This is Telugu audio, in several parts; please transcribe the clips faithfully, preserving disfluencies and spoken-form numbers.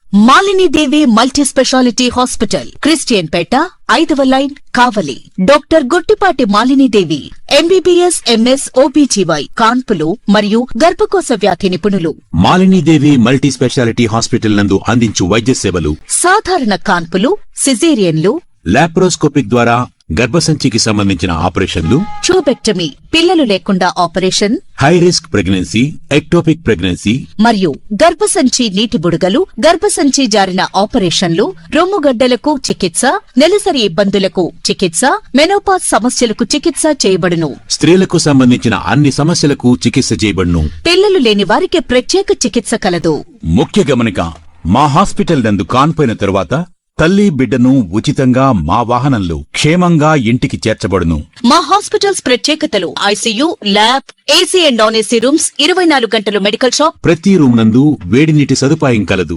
Malini Devi multi speciality hospital, Christian Peta, ఐదవ line, Kavali. Doctor Guttipati Malini Devi, MBBS, MS, OBGY, కాన్పులు మరియు గర్భకోశ వ్యాధి నిపుణులు. మాలినీదేవి మల్టీ స్పెషాలిటీ హాస్పిటల్ నందు అందించు వైద్య సేవలు: సాధారణ కాన్పులు, సిజేరియన్లు, లాప్రోస్కోపిక్ ద్వారా గర్భసంచికి సంబంధించిన ఆపరేషన్లు, ట్యూబెక్టమీ, పిల్లలు లేకుండా operation, high risk pregnancy, ectopic pregnancy మరియు గర్భసంచి నీటి బుడగలు, గర్భసంచి జారిన ఆపరేషన్లు, రొమ్ముగడ్డలకు చికిత్స, నెలసరి ఇబ్బందులకు చికిత్స, మెనోపాజ్ సమస్యలకు చికిత్స చేయబడును. స్త్రీలకు సంబంధించిన అన్ని సమస్యలకు చికిత్స చేయబడును. పిల్లలు లేని వారికి ప్రత్యేక చికిత్స కలదు. ముఖ్య గమనిక: మా హాస్పిటల్ నందు కాన్పోయిన తరువాత తల్లి బిడ్డను ఉచితంగా మా వాహనంలో క్షేమంగా ఇంటికి చేర్చబడును. మా హాస్పిటల్స్ ప్రత్యేకతలు: ICU, lab, AC and non AC rooms, ఇరవై నాలుగు గంటలు మెడికల్ షాప్, ప్రతి రూమ్ నందు వేడి నీటి సదుపాయం కలదు.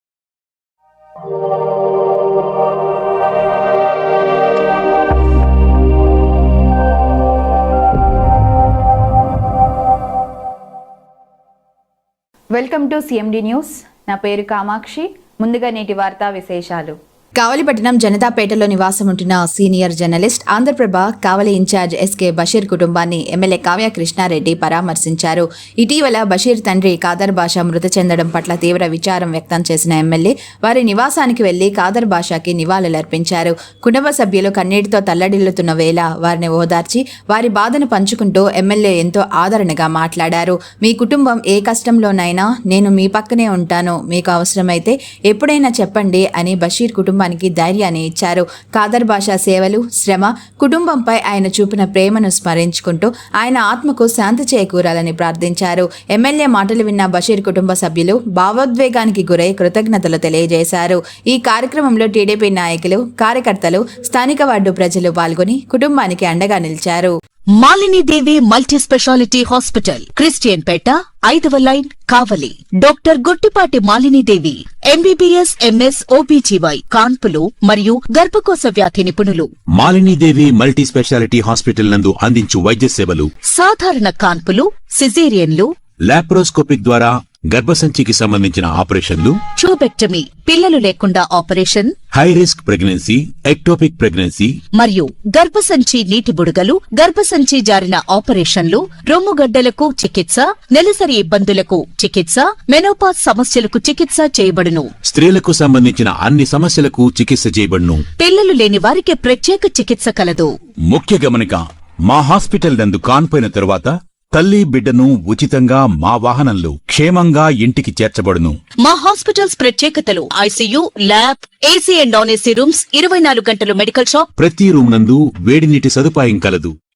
Welcome to CMD news. నా పేరు కామాక్షి. ముందుగా నేటి వార్తా విశేషాలు. కావలిపట్నం జనతాపేటలో నివాసం ఉంటున్న senior journalist, Andhraprabha Kavali incharge SK Basheer కుటుంబాన్ని ఎమ్మెల్యే కావ్య కృష్ణారెడ్డి పరామర్శించారు. ఇటీవల బషీర్ తండ్రి కాదర్ బాషా మృతి చెందడం పట్ల తీవ్ర విచారం వ్యక్తం చేసిన ఎమ్మెల్యే వారి నివాసానికి వెళ్లి కాదర్ బాషాకి నివాళులర్పించారు. కుటుంబ సభ్యులు కన్నీటితో తల్లడిల్లుతున్న వేళ వారిని ఓదార్చి వారి బాధను పంచుకుంటూ ఎమ్మెల్యే ఎంతో ఆదరణగా మాట్లాడారు. మీ కుటుంబం ఏ కష్టంలోనైనా నేను మీ పక్కనే ఉంటాను, మీకు అవసరమైతే ఎప్పుడైనా చెప్పండి అని బషీర్ కుటుంబం ధైర్యాన్ని ఇచ్చారు. కాదర్ బాషా సేవలు, శ్రమ, కుటుంబంపై ఆయన చూపిన ప్రేమను స్మరించుకుంటూ ఆయన ఆత్మకు శాంతి చేకూరాలని ప్రార్థించారు. ఎమ్మెల్యే మాటలు విన్న బషీర్ కుటుంబ సభ్యులు భావోద్వేగానికి గురై కృతజ్ఞతలు తెలియజేశారు. ఈ కార్యక్రమంలో టీడీపీ నాయకులు, కార్యకర్తలు, స్థానిక వార్డు ప్రజలు పాల్గొని కుటుంబానికి అండగా నిలిచారు. Malini Devi multi speciality hospital, Christian Peta, ఐదవ line, Kavali. Doctor Guttipati Malini Devi, MBBS, MS, OBGY, కాన్పులు మరియు గర్భకోశ వ్యాధి నిపుణులు. మాలినీదేవి మల్టీ స్పెషాలిటీ హాస్పిటల్ నందు అందించు వైద్య సేవలు: సాధారణ కాన్పులు, సిజేరియన్లు, లాప్రోస్కోపిక్ ద్వారా గర్భసంచికి సంబంధించిన ఆపరేషన్లు, ట్యూబెక్టమీ, పిల్లలు లేకుండా operation, high risk pregnancy, ectopic pregnancy మరియు గర్భసంచి నీటి బుడగలు, గర్భసంచి జారిన ఆపరేషన్లు, రొమ్ముగడ్డలకు చికిత్స, నెలసరి ఇబ్బందులకు చికిత్స, మెనోపాజ్ సమస్యలకు చికిత్స చేయబడును. స్త్రీలకు సంబంధించిన అన్ని సమస్యలకు చికిత్స చేయబడును. పిల్లలు లేని వారికి ప్రత్యేక చికిత్స కలదు. ముఖ్య గమనిక: మా హాస్పిటల్ నందు కాన్పోయిన తరువాత తల్లి బిడ్డను ఉచితంగా మా వాహనంలో క్షేమంగా ఇంటికి చేర్చబడును. మా హాస్పిటల్స్ ప్రత్యేకతలు: ICU, lab, AC and non AC rooms, ఇరవై నాలుగు గంటలు మెడికల్ షాప్, ప్రతి రూమ్ నందు వేడి నీటి సదుపాయం కలదు.